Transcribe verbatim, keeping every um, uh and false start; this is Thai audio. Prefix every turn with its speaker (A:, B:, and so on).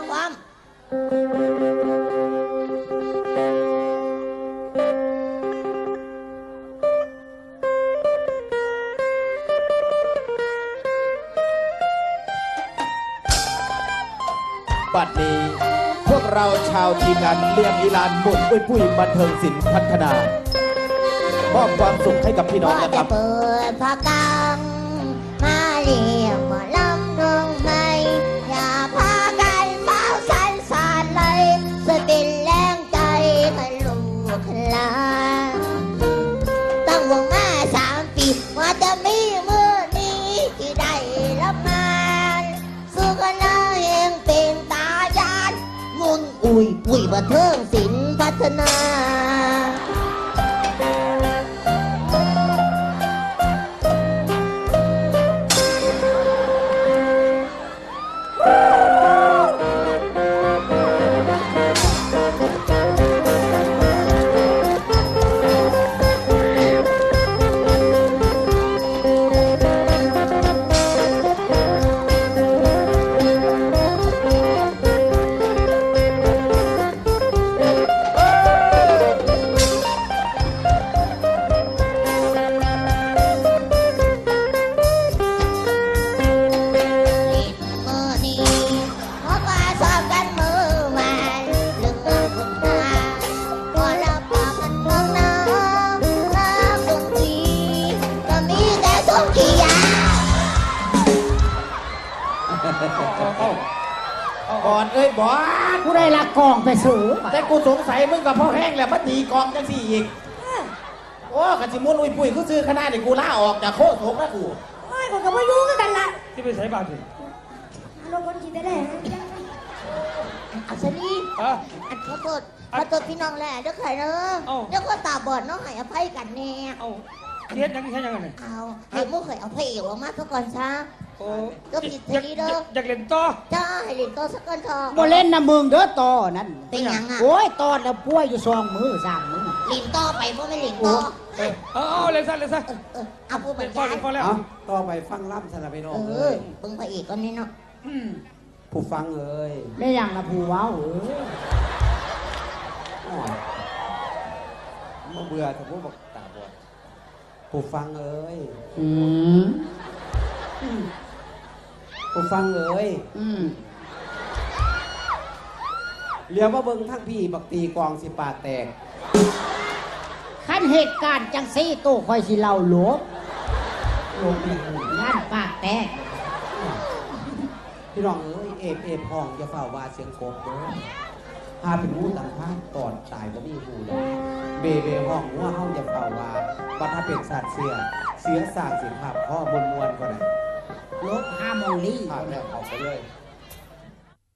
A: ความ
B: บัดนี้พวกเราชาวทีมงานเลี้ยงอีลานบุญปุ้ยปุ้ยบันเทิงศิลป์พัฒนามอบความสุขให้กับพี่น้องนะครับ
A: เปิดพากังมาเรียกหมอลำน้องใหม่อย่าพากันเมาสันสานเลยสติแรงใจให้ลูกหลานตั้งวงมาสามปีว่าจะมีมือนี้ที่ได้รับงานสู้กันนะเองเป็นตายานมุนอุ้ยปุ้ยบันเทิงศิลป์พัฒนา
B: ก่อนเอ้ยบอส
C: ผู้ได้ละกองไปสูง
B: แต่กูสงสัยมึงกับพ่อแห้งแหละมันตีกองจังสี่อีกโอ้กะจิมุนอุ้ยปุ้ยกูซื้อขนาดนี้กูล่าออกจากโคตรโถงแล้วกู
D: โอ้ยกูกับว่ายุ่งกันละ
E: ที่ไปใส่บาตรสิ
D: ลงคนจีได้เลย
A: อัศนีอันขอโทษขอโทษพี่น้องแหละเดี๋ยวใครเนอะเดี๋ยวก็ตาบอดน้องให้อภัยกันแน่
E: เอาเทียดยังแค่ยังไง
A: เอาให้มุกเคยเอาพระเอกออกมาสักก่อนซะ
E: โอ้
A: ก็ผิดทีนี้เด้อ
E: อยากเล่นต่อ
A: จ้าให้เล่นต่อสักก่อนเถอะ
C: บ่เล่นนะมึงเด้อต่อนั่น
A: เป็นยังอ่ะ
C: โอ้ยต่อแล้วป่วยอยู่สองมือสามมือ
A: เล่นต่อไปเพราะไม่เล่นต่อ
E: เออเอาเล่นซะเล่นซะ
A: เอาพูดบรรยาย
B: ต่อไปฟังล่ำสนับไปน้อง
A: เออเบิ่งพระเอกก่อนนี่เนาะ
B: ผู้ฟังเอ้ย
C: ไม่ยังนะผู้ว้าวเอ้ย
B: มาเบื่อแต่พวกบอกตาบอดผู้ฟังเอ้ย
C: อืม
B: ผู้ฟังเอ้ย
C: อืม
B: เรียกว่าเบิ่งทั้งพี่บักตีกองสิปาแตก
C: ขั้นเหตุการณ์จังซี่ตู้คอยสิเล่าหลวงหลวงงานปากแตก
B: พี่น้องเอ้ยเอฟเอฟห้องอย่าเฝ้าว่าเสียงโกบเด้อพาเป็นผู้ต่างพาตอดตายก็มีหูเลยเบเบห้องว่าเฮาอย่าเฝ้าว่าบัดถ้าเป็นสัตว์เสียเสียสร้างสิภาพข้อมวลมวลก็ได้
C: ลบห้าโมงลี่
B: ผ่านแล้วออกไปเลย